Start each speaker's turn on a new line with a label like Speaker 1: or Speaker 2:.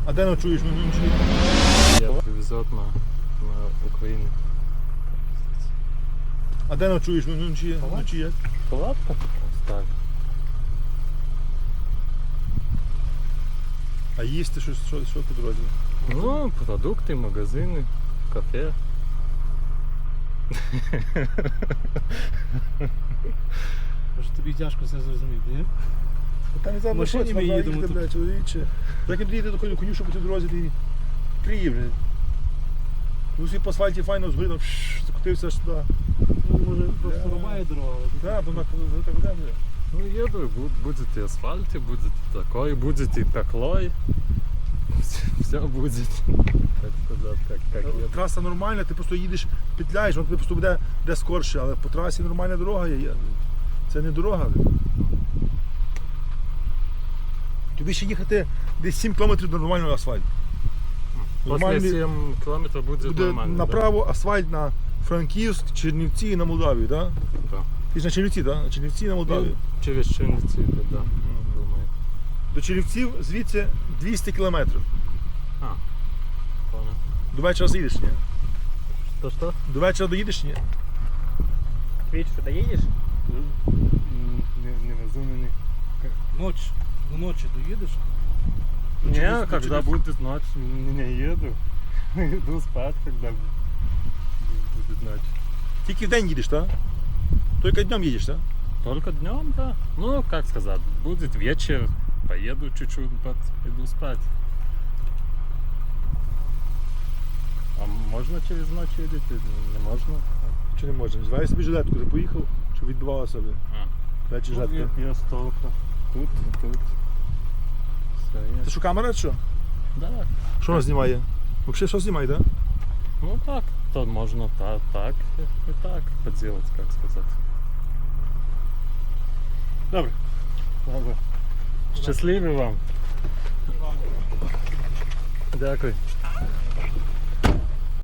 Speaker 1: А де ночуєш?
Speaker 2: Я привезет на Украину.
Speaker 1: А де ночуєш? Вночі як?
Speaker 2: Палатка ставь.
Speaker 1: А їсти що по дорозі?
Speaker 2: Ну, продукты, магазины, кафе.
Speaker 3: Може тобі тяжко все зрозуміти, ні?
Speaker 1: Там і зараз
Speaker 3: машині ми їдемо тут.
Speaker 1: блядь, чоловіче. Як він доїде до коню, що по цій дорозі, ти приїв, блядь. Ну всі по асфальті файно згоріло, закотився аж туди.
Speaker 3: Ну, може просто рубає дорога.
Speaker 1: Так, бо вона так буде, блядь.
Speaker 2: Ну, еду, и будет и асфальт, и будет и такой, будет и пеклой. Все будет, так сказать, как еду.
Speaker 1: Траса нормальна, ти просто їдеш, петляєш, воно тобі просто буде де скорше, але по трасі нормальна дорога є. Це не дорога. Тобі ще їхати десь 7 км до нормального асфальту.
Speaker 2: После 7 километров будет
Speaker 1: Буде
Speaker 2: нормально.
Speaker 1: направо асфальт на Франківськ, Чернівці і на Молдавію, так?
Speaker 2: Да.
Speaker 1: Ти ж на Чернівці, так? На Чернівці і на Молдавію.
Speaker 2: Ну, через Черницы, да, думаю.
Speaker 1: До Чернівців звідси 200 км.
Speaker 2: А, понял.
Speaker 1: До вечора заїдеш, ні?
Speaker 2: Что?
Speaker 1: До вечора доїдеш, ні?
Speaker 3: Віть, що доїдеш?
Speaker 2: Не разумный.
Speaker 3: Ночь. Ну ночі доїдеш?
Speaker 2: Не, когда будет ночь, не еду. Иду спать, когда будет ночь.
Speaker 1: Тільки в день їдеш, так? Тільки днем їдеш, так?
Speaker 2: Только днем, да. Ну, как сказать, будет вечер, поеду чуть-чуть, иду спать. А можно через ночь едет? Не можно?
Speaker 1: Чи не можна? Звай собі жилетку, ти поїхав, щоб відбивала себе.
Speaker 2: А.
Speaker 1: Речі
Speaker 2: Ну,
Speaker 1: жилетка.
Speaker 2: я столько. Тут. Все,
Speaker 1: Це що, камера чи що?
Speaker 2: Да.
Speaker 1: Що вона знімає? Взагалі що знімає, так?
Speaker 2: Ну так, то можно так и так поделать, как сказать.
Speaker 1: Добре.
Speaker 2: Добре. Щасливі вам. Дякую.